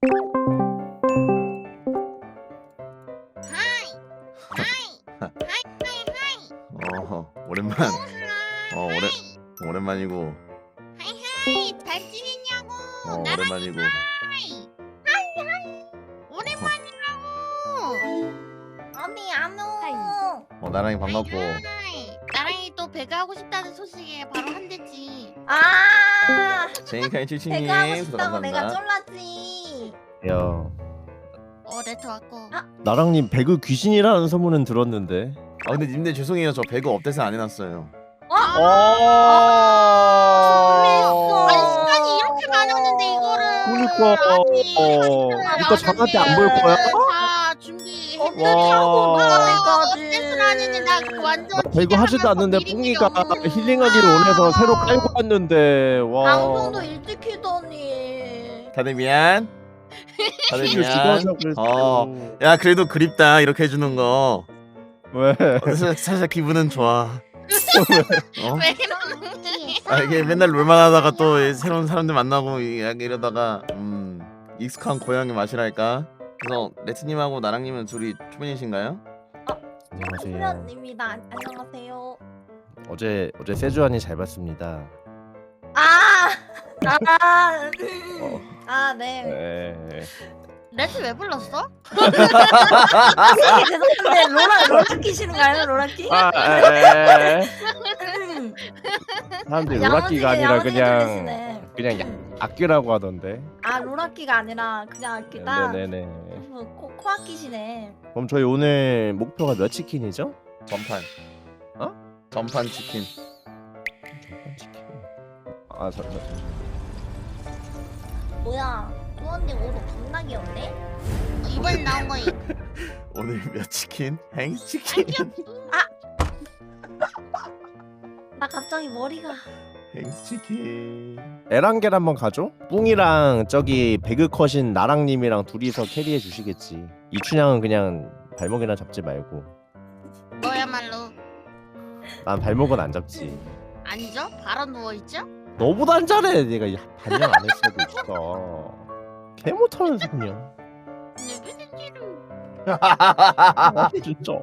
오랜만. 오랜만이고. 하이 잘 지냈냐고. 오랜만이고. 하이 오랜만이라고. 어디 안 오? 나랑이 반갑고. 하이. 나랑이 또 배가 하고 싶다는 소식에 바로 한대지. 아, 제니카이 칠칠님 배가 하고 싶다고 내가 감사합니다. 쫄랐지. 야, 레터 왔고. 나랑님 배그 귀신이라는 소문은 들었는데. 근데 님들 죄송해요. 저 배그 업데이트 안 해놨어요. 아니 시간이 이렇게 많았는데 이거를. 그러니까. 이거 저한테 안 보일 거야? 다 준비했더니 와. 업데이트를 하는데 나 완전. 배그 하지도 않는데 뿡이가 힐링하기를 원해서 새로 깔고 왔는데. 와. 방송도 일찍 키더니. 다들 미안. 다들 이거 미안. 죽어서 그랬어. 야 그래도 그립다 이렇게 해주는 거. 왜? 살짝 기분은 좋아. 왜 그러는지. 이게 맨날 롤만 하다가 또 새로운 사람들 만나고 이러다가 익숙한 고향의 맛이랄까. 그래서 레트님하고 나랑님은 둘이 초면이신가요? 안녕하세요. 수면입니다. 안녕하세요. 어제 세주안이 잘 봤습니다. 네. 네. 레트 왜 불렀어? 죄송한데 로라키 싫은가요, 로라키? 사람들이 로라키가 아니라 그냥 들리시네. 악기라고 하던데. 로라키가 아니라 그냥 악기다. 네네네. 코악기시네. 그럼 저희 오늘 목표가 몇 치킨이죠? 전판. 전판 치킨. 전판 치킨. 뭐야? 또언니 오늘 겁나 귀엽네. 이번에 나온 거이. 오늘 몇 치킨? 행 치킨. 나 갑자기 머리가. 행 치킨. 에란겔 한번 가죠? 뿡이랑 저기 배그컷인 나랑님이랑 둘이서 캐리해 주시겠지. 이춘향은 그냥 발목이나 잡지 말고. 너야말로. 난 발목은 안 잡지. 아니죠? 바로 누워있죠? 너보다 안 잘해. 내가 반년 안 했어도 있어. 개 못하면서 그냥. 진짜.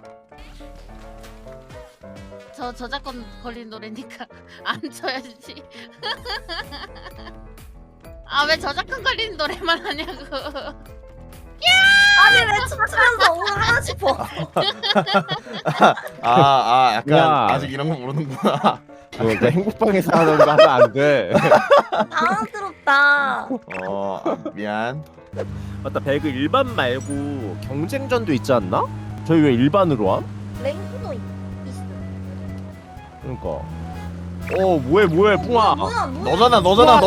저 저작권 걸린 노래니까 안 쳐야지. 왜 저작권 걸린 노래만 하냐고. 아니 왜 춤추면서 오늘 하나씩 봐. 약간 야. 아직 이런 거 모르는구나. 너 행복방에서 하는 거 하면 안 돼. 당황스럽다. 미안. 맞다, 배그 일반 말고 경쟁전도 있지 않나? 저희 왜 일반으로 함? 랭크도 있어. 그러니까. 뭐해 뿡아. 너잖아.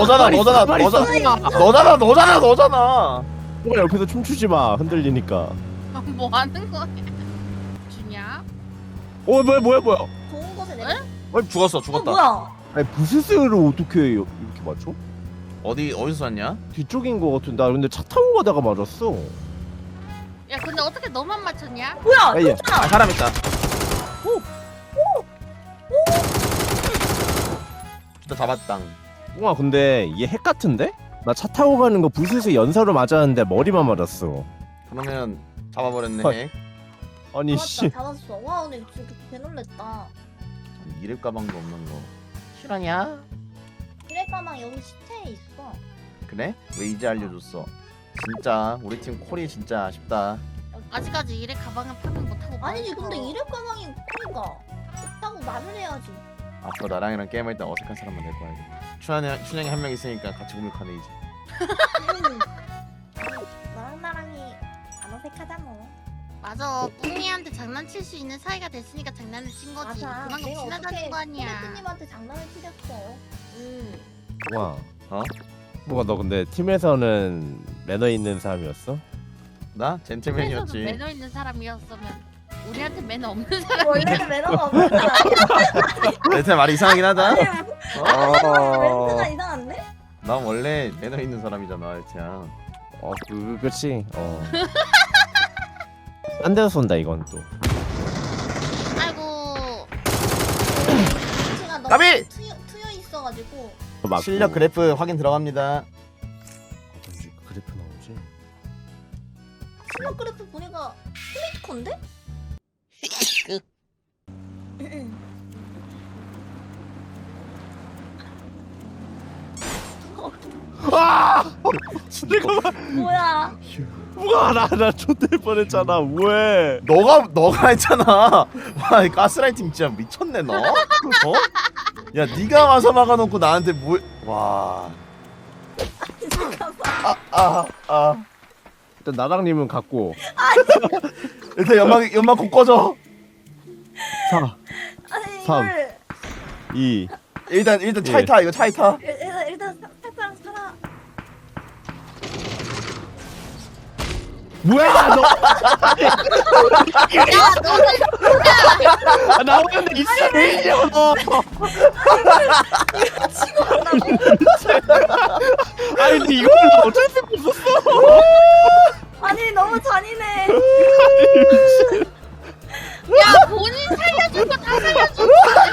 뿡아 옆에서 춤추지 마. 흔들리니까. 뭐 하는 거야? 주냐? 뭐야. 좋은 곳에 내. 죽었다. 뭐야? 아니 부스스를 어떻게 이렇게 맞춰? 어디서 쐈냐? 뒤쪽인 거 같은데. 나 근데 차 타고 가다가 맞았어. 야 근데 어떻게 너만 맞췄냐? 뭐야? 야, 사람 있다. 진짜 잡았당. 뿡아 근데 얘 핵 같은데? 나 차 타고 가는 거 부스스 연사로 맞았는데 머리만 맞았어. 그러면 잡아버렸네. 헐. 핵. 아니 씨. 잡았어. 와 오늘 진짜 개놀랬다. 이랩 가방도 없는 거. 실화냐? 그래 가방 여기 시체에 있어. 그래? 왜 이제 알려줬어? 진짜 우리 팀 콜이 진짜 아쉽다. 아직까지 이래 가방을 파밍 못하고. 아니지 있어. 근데 이래 가방이 그러니까 있다고 말을 해야지. 앞으로 나랑이랑 게임할 때 어색한 사람만 데리고 와야겠다. 춘향이 한 명 있으니까 같이 공격하네 이제. 나랑이 안 어색하잖아. 맞아. 뿡이한테 장난칠 수 있는 사이가 됐으니까 장난을 친 거지. 맞아. 그만큼 내가 친하다는 어떻게 거 아니야. 코레트님한테 장난을 치렸어. 뿡아. 어? 뿡아 너 근데 팀에서는 매너 있는 사람이었어? 나 그래서도 젠틀맨이었지. 매너 있는 사람이었으면 우리한테 매너 없는 사람. 원래는 매너가 없는 사람이야. 내 말이 이상하긴 하다. 멘트가 이상한데? 난 원래 매너 있는 사람이잖아, 레트야. 그렇지. 딴 데서 쏜다 이건 또. 아이고. 제가 너무 까비! 트여 있어가지고. 맞고. 실력 그래프 확인 들어갑니다. 어쩐지 그래프 나오지? 거지. 실력 그래프 보니까 스미트콘데? 아! 잠깐만. 뭐야? 우와 나 좆될 뻔했잖아. 왜? 너가 했잖아. 와, 이 가스라이팅 진짜 미쳤네 너. 어? 야, 네가 와서 막아놓고 나한테 뭐? 와. 잠깐만. 일단 나랑님은 갖고. 일단 연막 곧 꺼져. 4, 아니 3. 이걸 2. 일단 차에 예. 타. 이거 차에 타. 일단 살짝 살아. 뭐야 너? 아, 나오는데 있어 왜 이냐고 너? 치고 간다고? 아니 근데 이걸 나 어쩔 수가 없었어. 아니 너무 잔인해. 야 본인 살려준 거 다 살려준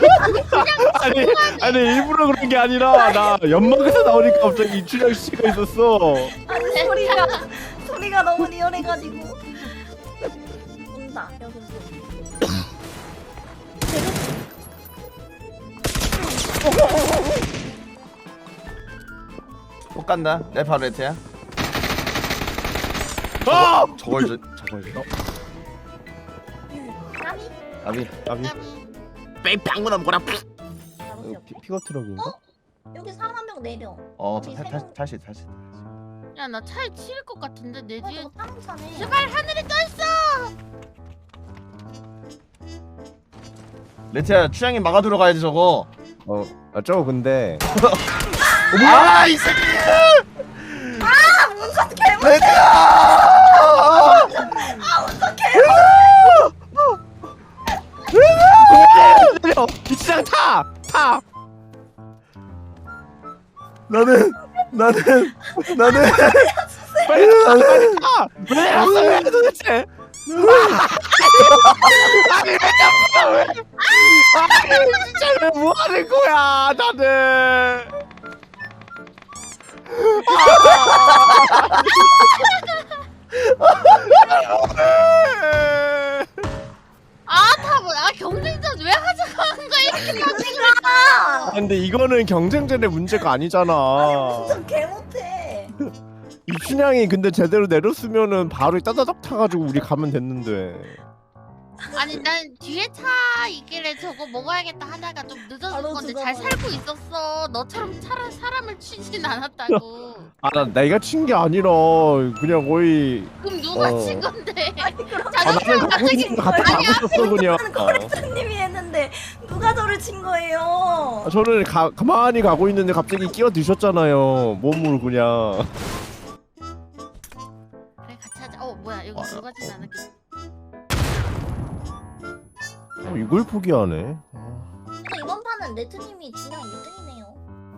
아니 일부러 그런 게 아니라 나 연막에서 나오니까 갑자기 이춘향 씨가 있었어. 아니 소리가 너무 리얼해가지고. 온다 여기서. 못 간다. 내 바로 레트야. 아! 저걸 줘. 까미? 아비. 아비 빼 방문한 거라. 잡으세요. 픽업 트럭인가? 여기 사람 한 명 내려. 다시. 야나 차에 치일 것 같은데 내 뒤에 저거 타는 제발 하늘에 떠있어. 레트야, 추양이 막아두러 가야지 저거. 저거 근데 아, 이 새끼. 문선 개무. 레트야. 내려! 이춘향 타! 나는 빨리 타! 왜 왔어요 도대체? 아니 왜 잡아 왜? 아니 진짜 왜 뭐하는 거야 다들? 다 뭐야 경쟁전 왜 하자고 한 거야 이렇게 아, 근데 이거는 경쟁전의 문제가 아니잖아. 문선 개 못해. 이춘향이 근데 제대로 내렸으면은 바로 따다닥 타가지고 우리 가면 됐는데. 아니 난 뒤에 차 있길래 저거 먹어야겠다 하다가 좀 늦어진 바로 건데 잘 죽어버려. 살고 있었어. 너처럼 사람을 치진 않았다고. 나 내가 친 게 아니라 그냥 거의 그럼 누가 어. 친 건데? 나는 가고 있는데 같이 가고 있었어 그냥. 코렉터님이 했는데 누가 저를 친 거예요? 저는 가만히 가고 있는데 갑자기 끼어드셨잖아요 몸으로 그냥. 그래 같이 하자. 뭐야 여기 누가 진 않았겠지? 이걸 포기하네. 근데 이번 판은 레트님이 진영 1등이네요.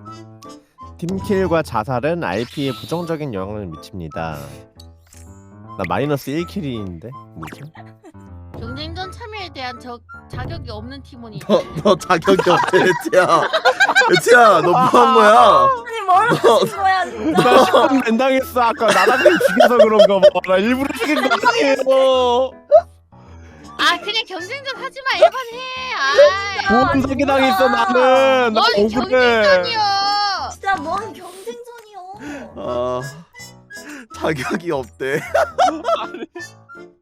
팀킬과 자살은 RP에 부정적인 영향을 미칩니다. 나 마이너스 1킬인데 뭐지? 경쟁전 참여에 대한 자격이 없는 팀원이. 너 자격이 없대, 레트야. 너 뭐 한 거야? 아니 뭘 하신 거야 진짜? 나 시험 랜당했어. 아까 나랑님 죽여서 그런가 봐. 나 일부러 죽인 거 아니에요. 아 그냥 경쟁전 하지 마 1번 해. 보험 사기 당했어 나는. 나 넌 억울해. 경쟁전이야. 진짜 뭔 경쟁전이요? 자격이 없대.